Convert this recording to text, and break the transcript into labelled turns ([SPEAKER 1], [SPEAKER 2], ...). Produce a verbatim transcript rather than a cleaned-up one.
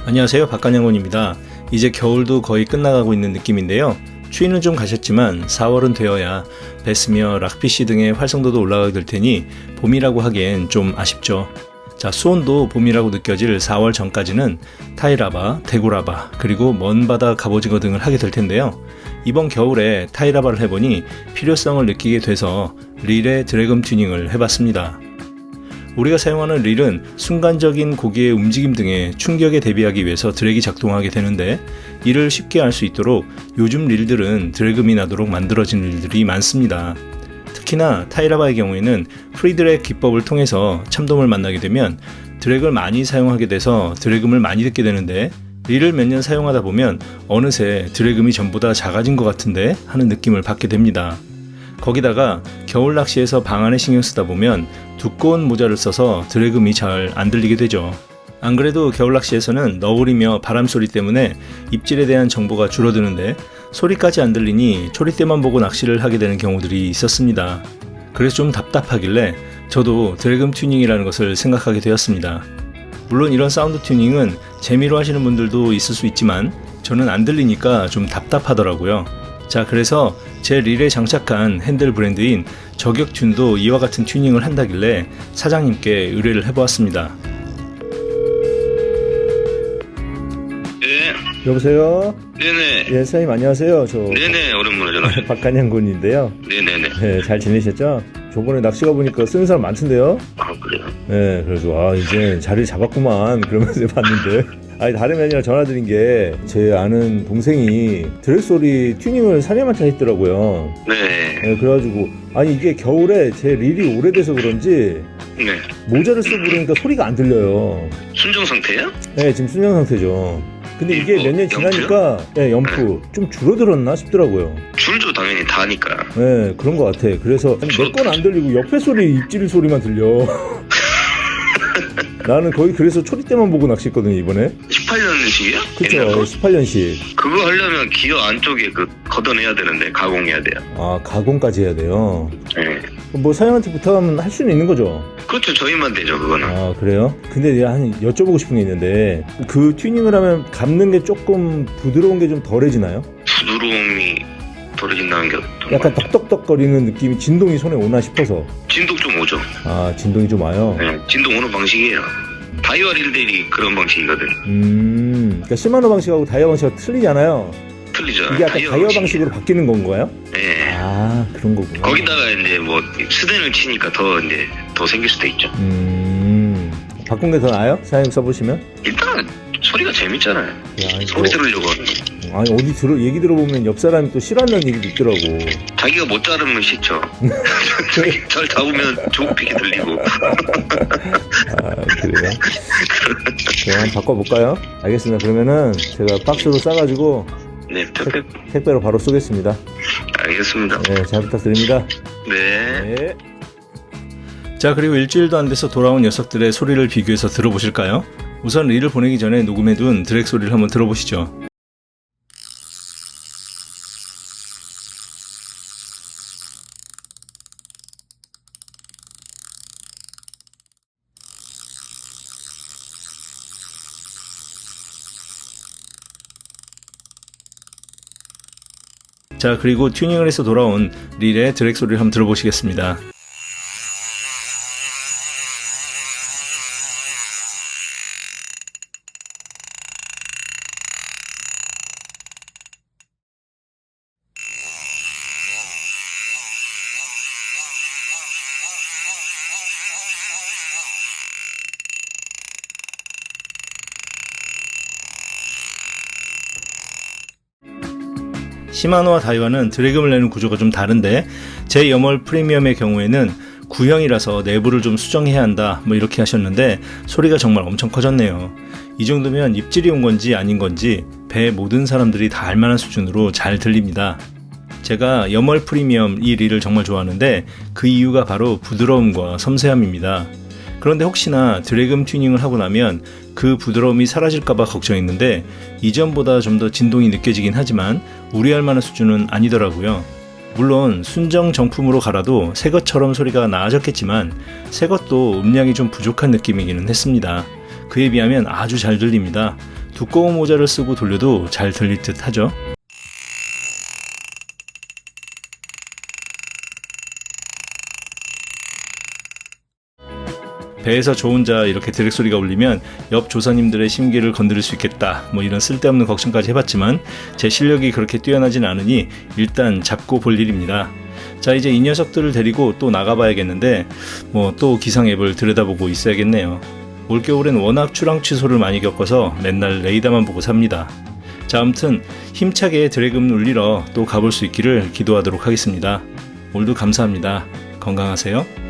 [SPEAKER 1] 안녕하세요, 박간양군입니다. 이제 겨울도 거의 끝나가고 있는 느낌인데요. 추위는 좀 가셨지만 사월은 되어야 베스며 락피쉬 등의 활성도도 올라가게 될 테니 봄이라고 하기엔 좀 아쉽죠. 자, 수온도 봄이라고 느껴질 사월 전까지는 타이라바, 대구라바, 그리고 먼바다 갑오징어 등을 하게 될 텐데요. 이번 겨울에 타이라바를 해보니 필요성을 느끼게 돼서 릴의 드래금 튜닝을 해봤습니다. 우리가 사용하는 릴은 순간적인 고기의 움직임 등의 충격에 대비하기 위해서 드랙이 작동하게 되는데, 이를 쉽게 알 수 있도록 요즘 릴들은 드래금이 나도록 만들어진 릴들이 많습니다. 특히나 타이라바의 경우에는 프리드랙 기법을 통해서 참돔을 만나게 되면 드랙을 많이 사용하게 돼서 드래금을 많이 듣게 되는데, 릴을 몇 년 사용하다 보면 어느새 드래금이 전보다 작아진 것 같은데 하는 느낌을 받게 됩니다. 거기다가 겨울 낚시에서 방안에 신경 쓰다 보면 두꺼운 모자를 써서 드래금이 잘 안 들리게 되죠. 안 그래도 겨울 낚시에서는 너구리며 바람 소리 때문에 입질에 대한 정보가 줄어드는데 소리까지 안 들리니 초리대만 보고 낚시를 하게 되는 경우들이 있었습니다. 그래서 좀 답답하길래 저도 드래금 튜닝이라는 것을 생각하게 되었습니다. 물론 이런 사운드 튜닝은 재미로 하시는 분들도 있을 수 있지만 저는 안 들리니까 좀 답답하더라고요. 자, 그래서 제 릴에 장착한 핸들 브랜드인 저격튠도 이와 같은 튜닝을 한다길래 사장님께 의뢰를 해보았습니다.
[SPEAKER 2] 네.
[SPEAKER 1] 여보세요?
[SPEAKER 2] 네네.
[SPEAKER 1] 예, 사장님 안녕하세요. 저
[SPEAKER 2] 네네, 오랜만에 전화.
[SPEAKER 1] 박간양군인데요.
[SPEAKER 2] 네네네.
[SPEAKER 1] 네, 잘 지내셨죠? 저번에 낚시 가보니까 쓰는 사람 많던데요?
[SPEAKER 2] 아, 그래요?
[SPEAKER 1] 네, 그래서 아 이제 자리 잡았구만 그러면서 봤는데 아니 다름이 아니라 전화드린 게 제 아는 동생이 드랙 소리 튜닝을 사장님한테 했더라고요.
[SPEAKER 2] 네.
[SPEAKER 1] 네, 그래가지고 아니 이게 겨울에 제 릴이 오래돼서 그런지
[SPEAKER 2] 네.
[SPEAKER 1] 모자를 쓰고 그러니까 소리가 안 들려요.
[SPEAKER 2] 순정 상태야?
[SPEAKER 1] 네, 지금 순정 상태죠. 근데 이게 몇 년 지나니까 네, 연프 좀 줄어들었나 싶더라고요.
[SPEAKER 2] 줄도 당연히 다니까.
[SPEAKER 1] 네, 그런 것 같아. 그래서 내 건 안 들리고 옆에 소리, 입질 소리만 들려. 나는 거의 그래서 초리대만 보고 낚시했거든요, 이번에.
[SPEAKER 2] 십팔 년식이야?
[SPEAKER 1] 그쵸, 십팔 년씩.
[SPEAKER 2] 그거 하려면 기어 안쪽에 그 걷어내야 되는데 가공해야 돼요.
[SPEAKER 1] 아, 가공까지 해야 돼요.
[SPEAKER 2] 네.
[SPEAKER 1] 뭐 사장님한테 부탁하면 할 수는 있는 거죠?
[SPEAKER 2] 그렇죠, 저희만 되죠, 그거는.
[SPEAKER 1] 아, 그래요? 근데 내가 한 여쭤보고 싶은 게 있는데 그 튜닝을 하면 감는 게 조금 부드러운 게 좀 덜해지나요?
[SPEAKER 2] 부드러움이 덜해진다는 게 어떤
[SPEAKER 1] 약간
[SPEAKER 2] 거예요?
[SPEAKER 1] 떡떡떡거리는 느낌이 진동이 손에 오나 싶어서.
[SPEAKER 2] 진동 좀 오죠.
[SPEAKER 1] 아, 진동이 좀 와요?
[SPEAKER 2] 네, 진동 오는 방식이에요. 다이와 릴들이 그런 방식이거든.
[SPEAKER 1] 음, 그러니까 시마노 방식하고 다이어 방식하고 틀리잖아요.
[SPEAKER 2] 틀리죠.
[SPEAKER 1] 이게 약간 다이어 방식으로 바뀌는 건가요?
[SPEAKER 2] 네.
[SPEAKER 1] 아, 그런 거구나.
[SPEAKER 2] 거기다가 이제 뭐 스댄을 치니까 더 이제 더 생길 수도 있죠.
[SPEAKER 1] 음, 바꾼 게 더 나아요? 사장님 써보시면?
[SPEAKER 2] 일단 소리가 재밌잖아요.
[SPEAKER 1] 야, 이거-
[SPEAKER 2] 소리 들으려고 하는 거.
[SPEAKER 1] 아니 어디 들어 얘기 들어보면 옆 사람이 또 싫어한다는 얘기도 있더라고.
[SPEAKER 2] 자기가 못 자르면 싫죠. 잘 잡으면 조급하게 들리고.
[SPEAKER 1] 아, 그래요? 그럼 한번 바꿔볼까요? 알겠습니다. 그러면은 제가 박스로 싸가지고
[SPEAKER 2] 네, 택배.
[SPEAKER 1] 택배로 바로 쏘겠습니다.
[SPEAKER 2] 알겠습니다.
[SPEAKER 1] 네, 잘 부탁드립니다.
[SPEAKER 2] 네.
[SPEAKER 1] 네. 자, 그리고 일주일도 안 돼서 돌아온 녀석들의 소리를 비교해서 들어보실까요? 우선 릴을 보내기 전에 녹음해둔 드랙 소리를 한번 들어보시죠. 자, 그리고 튜닝을 해서 돌아온 릴의 드랙 소리를 한번 들어보시겠습니다. 시마노와 다이와는 드래금을 내는 구조가 좀 다른데 제 염월 프리미엄의 경우에는 구형이라서 내부를 좀 수정해야 한다 뭐 이렇게 하셨는데 소리가 정말 엄청 커졌네요. 이 정도면 입질이 온 건지 아닌 건지 배 모든 사람들이 다 알만한 수준으로 잘 들립니다. 제가 염월 프리미엄 이 릴을 정말 좋아하는데 그 이유가 바로 부드러움과 섬세함입니다. 그런데 혹시나 드래금 튜닝을 하고 나면 그 부드러움이 사라질까봐 걱정했는데 이전보다 좀 더 진동이 느껴지긴 하지만 우려할 만한 수준은 아니더라고요. 물론 순정 정품으로 갈아도 새것처럼 소리가 나아졌겠지만 새것도 음량이 좀 부족한 느낌이기는 했습니다. 그에 비하면 아주 잘 들립니다. 두꺼운 모자를 쓰고 돌려도 잘 들릴 듯 하죠. 배에서 저 혼자 이렇게 드랙 소리가 울리면 옆 조사님들의 심기를 건드릴 수 있겠다, 뭐 이런 쓸데없는 걱정까지 해봤지만 제 실력이 그렇게 뛰어나진 않으니 일단 잡고 볼 일입니다. 자, 이제 이 녀석들을 데리고 또 나가봐야겠는데 뭐 또 기상 앱을 들여다보고 있어야겠네요. 올겨울엔 워낙 출항 취소를 많이 겪어서 맨날 레이더만 보고 삽니다. 자, 아무튼 힘차게 드래금 울리러 또 가볼 수 있기를 기도하도록 하겠습니다. 오늘도 감사합니다. 건강하세요.